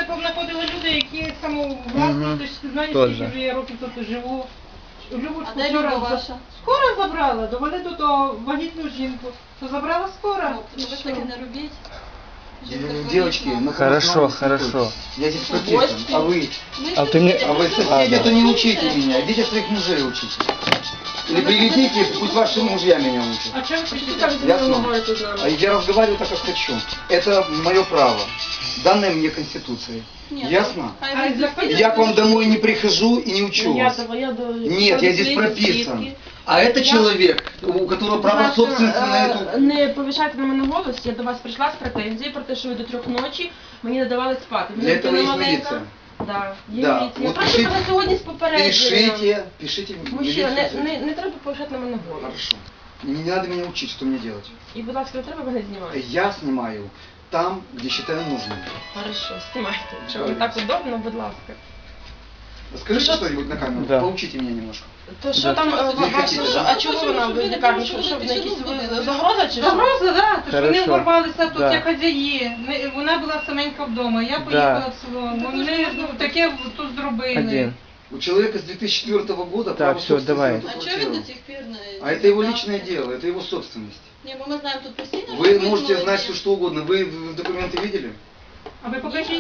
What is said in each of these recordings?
знаходили люди, які самовласні, ти знаєш, Тоже. скільки вже я років тут живу. Любочку А де вчора Люба ваша? скоро забрала, довели тут вагітну жінку, то забрала скоро. Ви ж таке не робіть. Девочки, мы Хорошо, хорошо. Я здесь прописан, а вы? А ты мне... А вы соседи, то не учите меня, идите своих мужей учите. Или приведите, пусть ваши мужья меня учат. А чого ви кричите? Ясно? А я разговариваю так, как хочу. Это мое право, данное мне Конституцией. Нет. Ясно? Хай ви заходите. Я к вам домой не прихожу и не учу вас. Нет, я здесь прописан. А это человек, у которого право собственности на эту... Не повишайте на мене голос, я до вас прийшла з претензією про те, що ви до 3 ночі мені не давали спати. Для этого есть милиция. Да, є Да, міліція. от Прошу пишіть- мене сьогодні з попередженням. Пишите в Мужчина, милицию. не треба повишати на мене голос. Хорошо. Не надо меня учить, что мне делать. І, будь ласка, не треба мене знімати. Я снимаю там, где считаю нужным. Хорошо, знімайте. Якщо вам так удобно, будь ласка. Скажите что-нибудь на камеру, Да. поучите меня немножко. То що там, а чого вона в лікарні? Що в якісь загроза чи що? Загроза, да, то що вони Хорошо. ворвалися тут Да. як хазяї. Вона була саменька вдома, я поїхала в село. Вони таке тут зробили. Один. У человека с 2004 года Так, право всё, собственности давай. на А эту чого квартиру. він до сих пір не... А это его личное дело, это его собственность. Ні, бо ми знаємо тут постійно, що Вы ви можете молоді. знать все что угодно. Вы документы видели? А ви покажіть.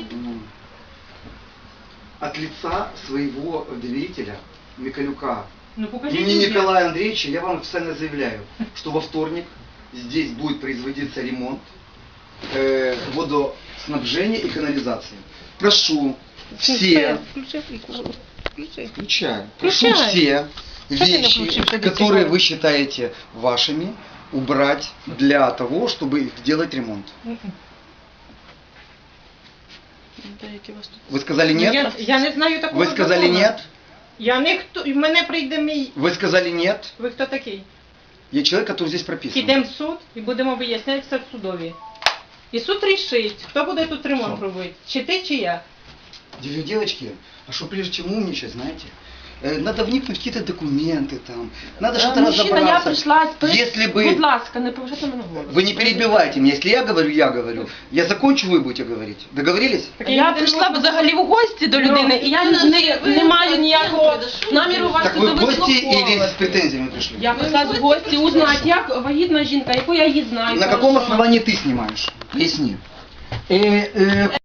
От лица своего доверителя, Миколюка, Ну покажіть. имени мені. Николая Андреевича, я вам официально заявляю, что во вторник здесь будет производиться ремонт водоснабжения и канализации. Прошу все, включаю, прошу все вещи, которые вы считаете вашими, убрать для того, чтобы сделать ремонт. Вы сказали нет? Я не знаю такого. Вы сказали закону. нет? Я не хто, в мене прийде мій. Вы сказали нет? Ви хто такий? Я человек, который здесь прописан. Підемо в суд і будемо виясняти все в судові. І суд рішить, хто буде тут ремонт Що? робити. Чи ти, чи я. Девочки, а что прежде чем умничать, знаете, надо вникнуть в какие-то документы там, надо что-то Мужчина, я разобраться. прийшла з Если Будь бы... ласка, не повишайте на мене голос. Вы не перебивайте меня, если я говорю, я говорю. Я закончу, вы будете говорить. Договорились? Я прийшла взагалі в гості до людини, і я не маю ніякого наміру вас Так тут вы в гости или вислуховувати. с претензиями пришли? Я прийшла в гості узнати, як вагітна жінка, яку я її знаю. На каком хорошо. основании ты снимаешь? Поясни.